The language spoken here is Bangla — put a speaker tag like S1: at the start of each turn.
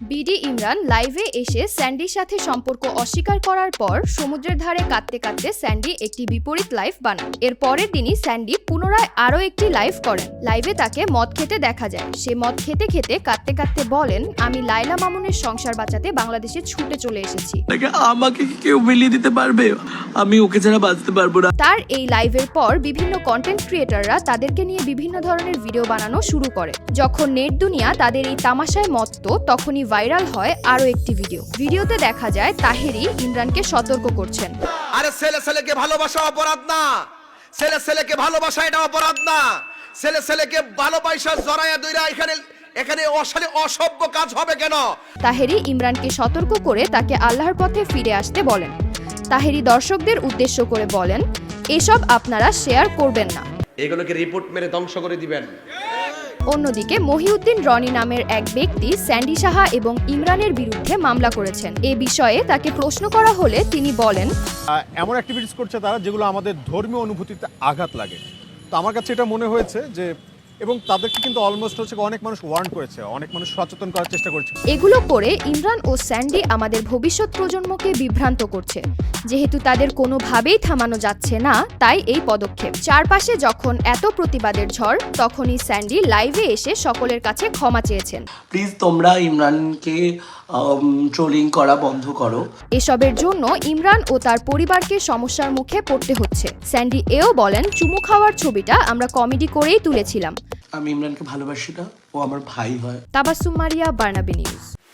S1: বিডি ইমরান লাইভে এসে স্যান্ডির সাথে সম্পর্ক অস্বীকার করার পর সমুদ্রের ধারে কাঁদতে কাঁদতে স্যান্ডি একটি বিপরীত লাইভ বানান। এর পরের দিনই স্যান্ডি পুনরায় আরও একটি লাইভ করেন। লাইভে তাকে মদ খেতে দেখা যায়। সে মদ খেতে খেতে কাঁদতে কাঁদতে বলেন, আমি লায়লা মামুনের সংসার বাঁচাতে বাংলাদেশে ছুটে চলে এসেছি।
S2: আমাকে কেউ মিলিয়ে দিতে পারবে? আমি ওকে ছাড়া বাঁচতে পারবো না।
S1: তার এই লাইভের পর বিভিন্ন কন্টেন্ট ক্রিয়েটররা তাদেরকে নিয়ে বিভিন্ন ধরনের ভিডিও বানানো শুরু করে। যখন নেট দুনিয়া তাদের এই তামাশায় মত্ত, তখনই ভাইরাল হয় আরো একটি ভিডিওতে দেখা যায় তাহেরি ইমরানকে সতর্ক করছেন।
S3: আরে ছেলেকে ভালোবাসা অপরাধ না, ছেলেকে ভালোবাসা এটা অপরাধ না। ছেলেকে ভালোবাসা জড়ায়া দইরা এখানে অসভ্য কাজ হবে কেন?
S1: তাহেরি ইমরানকে সতর্ক করে তাকে আল্লাহর পথে ফিরে আসতে বলেন। তাহেরি দর্শকদের উদ্দেশ্য করে বলেন, এসব আপনারা শেয়ার করবেন না,
S3: এগুলোকে রিপোর্ট মেরে ধ্বংস করে দিবেন।
S1: অন্যদিকে মহিউদ্দিন রনি নামের এক ব্যক্তি স্যান্ডি সাহা এবং ইমরানের বিরুদ্ধে মামলা করেছেন। এ বিষয়ে তাকে প্রশ্ন করা হলে তিনি বলেন,
S4: এমন অ্যাক্টিভিটিস করছে তারা যেগুলো আমাদের ধর্মীয় অনুভূতিতে আঘাত লাগে। তো আমার কাছে এটা মনে হয়েছে যে, এবং তাদেরকে কিন্তু অলমোস্ট হচ্ছে অনেক মানুষ ওয়ার্ন করেছে, অনেক মানুষ সচেতন করার চেষ্টা করছে।
S1: এগুলো করে ইমরান ও স্যান্ডি আমাদের ভবিষ্যৎ প্রজন্মকে বিভ্রান্ত করছে। যেহেতু তাদের কোনোভাবেই থামানো যাচ্ছে না, তাই এই পদক্ষেপ। চারপাশে যখন এত প্রতিবাদের ঝড়, তখনই স্যান্ডি লাইভে এসে সকলের কাছে ক্ষমা চেয়েছেন।
S2: প্লিজ তোমরা ইমরানকে ট্রোলিং করা বন্ধ করো।
S1: এসবের জন্য ইমরান ও তার পরিবারকে সমস্যার মুখে পড়তে হচ্ছে। স্যান্ডি এও বলেন, চুমু খাওয়ার ছবিটা আমরা কমেডি করেই তুলেছিলাম।
S2: আমি ইমরানকে ভালোবাসি না, ও আমার ভাই হয়।
S1: Tabassum Maria, Burnaby news.